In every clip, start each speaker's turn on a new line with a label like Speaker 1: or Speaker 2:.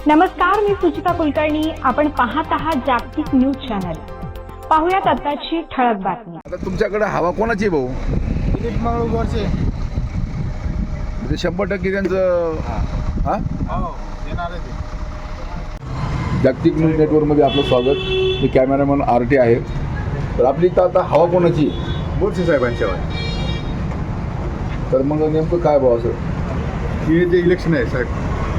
Speaker 1: नमस्कार, मी सुचिता कुलकर्णी. आपण पाहत आहात जागतिक न्यूज चॅनल. पाहूयात आताची ठळक बातमी.
Speaker 2: आता तुमच्याकडे हवा कोणाची भाऊ?
Speaker 3: दिलीप मंगळूरचे.
Speaker 2: म्हणजे 100% त्यांचं हा
Speaker 3: येणार आहे ते.
Speaker 2: जागतिक न्यूज नेटवर्कमध्ये आपलं स्वागत. मी कॅमेरामन RT आहे. तर आपली तर आता हवा कोणाची?
Speaker 4: बोरसे साहेबांच्या आहे.
Speaker 2: तर मग नेमकं काय भाऊ असं?
Speaker 4: हे जे इलेक्शन आहे साहेब,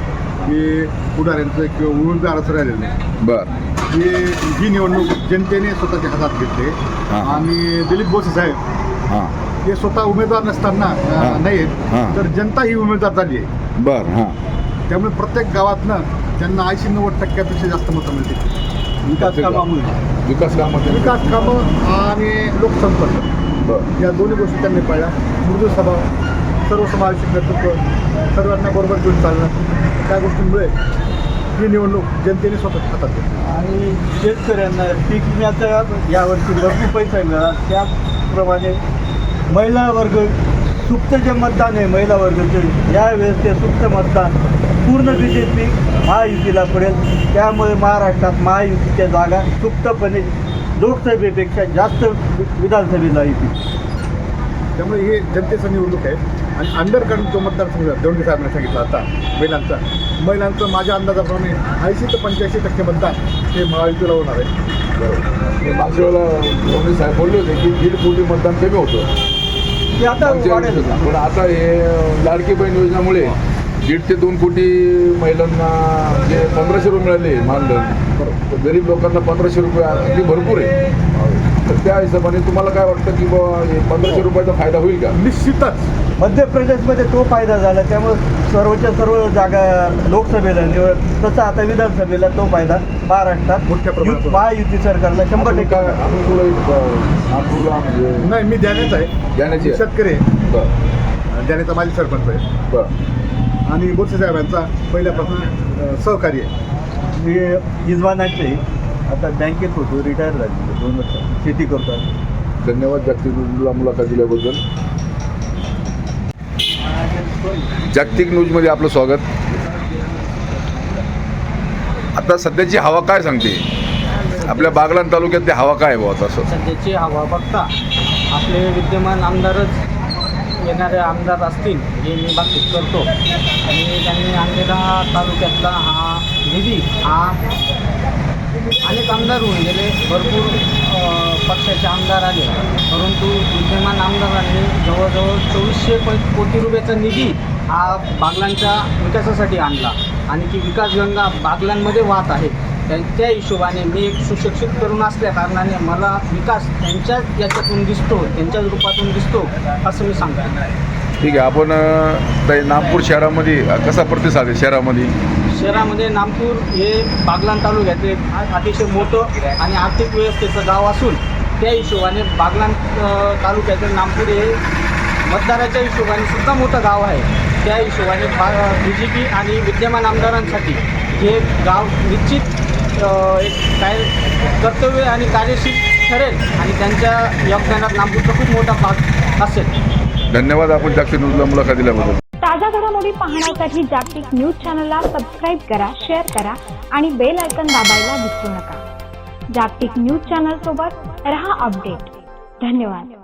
Speaker 4: हे पुढाऱ्यांचं किंवा उमेदवाराचं राहिलेलं नाही.
Speaker 2: बरं.
Speaker 4: ही निवडणूक जनतेने स्वतःच्या हातात घेतली.
Speaker 2: हां.
Speaker 4: आणि दिलीप बोरसे साहेब
Speaker 2: हां
Speaker 4: हे स्वतः उमेदवार नसताना
Speaker 2: हां.
Speaker 4: नाहीत,
Speaker 2: हां.
Speaker 4: तर जनता ही उमेदवार झाली आहे.
Speaker 2: बरं. हां.
Speaker 4: त्यामुळे प्रत्येक गावातनं त्यांना 80-90% जास्त मतं मिळतील. विकास कामामुळे,
Speaker 2: विकास कामाचे
Speaker 4: विकास कामं आणि लोकसंपर्क
Speaker 2: बरं.
Speaker 4: या दोन्ही गोष्टी त्यांनी पाळल्या. मृदू स्वभाव, सर्वसमावेशक नेतृत्व, सर्वांना बरोबर घेऊन चालणं, त्या गोष्टींमुळे ही निवडणूक जनतेने स्वतःच्या हातात घेतली.
Speaker 3: आणि शेतकऱ्यांना पीक विम्याचा यावर्षी भरपूर पैसा मिळाला. त्याप्रमाणे महिला वर्ग सुप्त जे मतदान आहे, महिला वर्गाचे यावेळेस ते सुप्त मतदान पूर्ण BJP महायुतीला पडेल. त्यामुळे महाराष्ट्रात महायुतीच्या जागा सुप्तपणे लोकसभेपेक्षा जास्त विधानसभेला येतील.
Speaker 4: त्यामुळे हे जनतेचं निवडणूक आहे. आणि अंडरकरंट जो मतदारसंघ देवंडी साहेबांनी सांगितलं आता महिलांचं माझ्या अंदाजाप्रमाणे 80 ते 85% मतदान हे महायुतीला होणार आहे.
Speaker 2: बरोबर. मागच्या वेळेला धोनी साहेब बोलले होते की 1.5 कोटी मतदान कमी होतं.
Speaker 3: ते आता वाढेल.
Speaker 2: पण आता हे लाडकी बहीण योजनेमुळे 1.5 ते 2 कोटी महिलांना जे 1500 रुपये मिळाले मानधन, तर गरीब लोकांना 1500 रुपये अगदी भरपूर आहे. तर त्या हिशोबाने तुम्हाला काय वाटतं की बाबा हे 1500 रुपयाचा फायदा होईल का?
Speaker 4: निश्चितच
Speaker 3: मध्य प्रदेशमध्ये तो फायदा झाला. त्यामुळे सर्वच्या सर्व जागा लोकसभेला निवड, तसा आता विधानसभेला तो फायदा महाराष्ट्रात
Speaker 4: मोठ्या प्रमाणात होतो.
Speaker 3: महायुती सरकारला 100%
Speaker 2: काय आम्ही तुला नागपूरला म्हणजे
Speaker 4: नाही, मी ध्यानाच आहे.
Speaker 2: जाण्याची आहे.
Speaker 4: शेतकरी आहे.
Speaker 2: बरं.
Speaker 4: ध्यानाचा माझी सरपंच आहे.
Speaker 2: बरं.
Speaker 4: आणि बोरसे साहेबांचा पहिल्यापासून सहकारी आहे.
Speaker 3: मी इजवानाचे आता बँकेत होतो, रिटायर झाले 2 वर्ष, शेती करतो.
Speaker 2: धन्यवाद जागतिक न्यूजला मुलाखत दिल्याबद्दल. जागतिक न्यूजमध्ये आपलं स्वागत. आता सध्याची हवा काय सांगते? आपल्या बागलाण तालुक्यातली हवा काय आहे बुवा तसं?
Speaker 5: सध्याची हवा बघता आपले विद्यमान आमदारच येणारे आमदार असतील हे मी बातचीत करतो. आणि त्यांनी आणलेला तालुक्यातला हा निधी हा अनेक आमदार होऊन गेले, भरपूर पक्षाचे आमदार आले, परंतु विद्यमान आमदारांनी जवळजवळ 2400 कोटी रुपयाचा निधी हा बागलांच्या विकासासाठी आणला. आणि ती विकासगंगा बागलांमध्ये वाहत आहे. त्या हिशोबाने मी एक सुशिक्षित तरुण असल्या कारणाने मला विकास त्यांच्याच याच्यातून दिसतो, त्यांच्याच रूपातून दिसतो असं मी सांगतो.
Speaker 2: ठीक आहे. आपण नागपूर शहरामध्ये कसा प्रतिसाद आहे? शहरामध्ये
Speaker 5: नागपूर हे बागलाण तालुक्याचे अतिशय मोठं आणि आर्थिक व्यवस्थेचं गाव असून त्या हिशोबाने बागलाण तालुक्यातील नागपूर हे मतदाराच्या हिशोबाने सुद्धा मोठं गाव आहे. त्या हिशोबाने BJP आणि विद्यमान आमदारांसाठी हे गाव निश्चित एक काय कर्तव्य आणि कार्यशील ठरेल आणि त्यांच्या योगदानात नागपूरचा खूप मोठा भाग असेल.
Speaker 2: धन्यवाद. आपण जागतिक न्यूजला मुलाखत दिल्याबद्दल.
Speaker 1: ताज्या घडामोडी पाहण्यासाठी जागतिक न्यूज चॅनलला सबस्क्राईब करा, शेअर करा आणि बेल आयकॉन दाबायला विसरू नका. जागतिक न्यूज चॅनल सोबत रहा अपडेट. धन्यवाद.